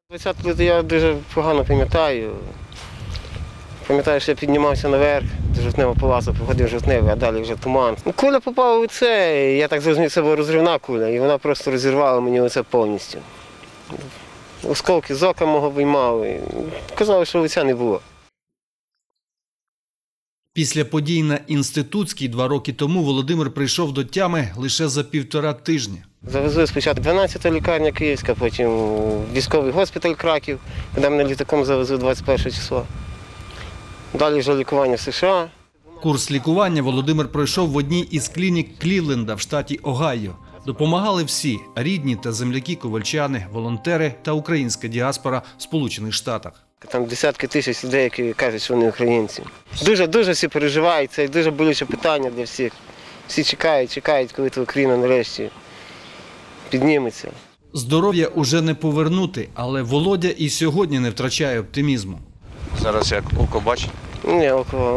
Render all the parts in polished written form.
20 лютого я дуже погано пам'ятаю. Пам'ятаю, що я піднімався наверх до Жовтневого палацу, походив Жовтневий, а далі вже туман. Куля попала у це, я так зрозумів, це була розривна куля, і вона просто розірвала мені оце повністю. Осколки з ока мого виймали. Казали, що лиця не було. Після подій на Інститутській 2 роки тому Володимир прийшов до тями лише за 1,5 тижня. Завезли спочатку 12-та лікарня Київська, потім військовий госпіталь Краків, куди мене літаком завезли 21 числа. Далі вже лікування в США. Курс лікування Володимир пройшов в одній із клінік Клівленда в штаті Огайо. Допомагали всі – рідні та земляки-ковальчани, волонтери та українська діаспора в Сполучених Штатах. Там десятки тисяч людей, які кажуть, що вони українці. Дуже всі переживають, це дуже болюче питання для всіх. Всі чекають, коли Україна нарешті підніметься. Здоров'я уже не повернути, але Володя і сьогодні не втрачає оптимізму. Зараз як око бачить? Ні,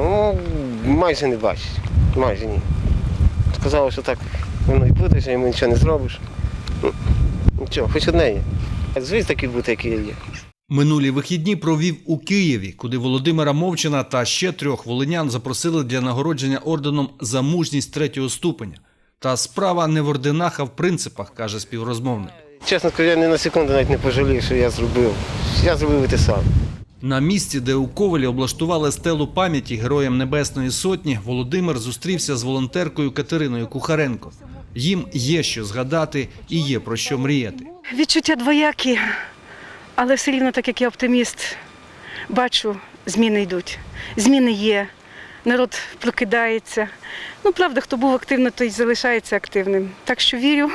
майже не бачить, майже ні. Сказали, що так воно і буде, що йому нічого не зробиш. Нічого, хоч одне є. Звісно, такий бути, який є. Минулі вихідні провів у Києві, куди Володимира Мовчана та ще 3 волинян запросили для нагородження орденом за мужність 3-го ступеня. Та справа не в орденах, а в принципах, каже співрозмовник. Чесно скажу, я ні на секунду навіть не пожалів, що я зробив. Я зробив і те саме. На місці, де у Ковелі облаштували стелу пам'яті Героям Небесної Сотні, Володимир зустрівся з волонтеркою Катериною Кухаренко. Їм є що згадати і є про що мріяти. Відчуття двоякі, але все рівно, так як я оптиміст, бачу, зміни йдуть. Зміни є, народ прокидається. Правда, хто був активним, той залишається активним. Так що вірю,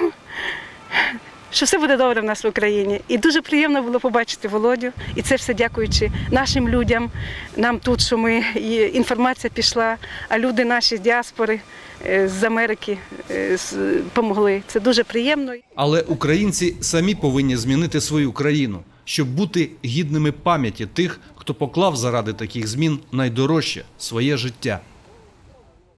що все буде добре в нас в Україні. І дуже приємно було побачити Володю. І це все дякуючи нашим людям, нам тут, що інформація пішла, а люди наші з діаспори, з Америки допомогли. Це дуже приємно. Але українці самі повинні змінити свою країну, щоб бути гідними пам'яті тих, хто поклав заради таких змін найдорожче – своє життя.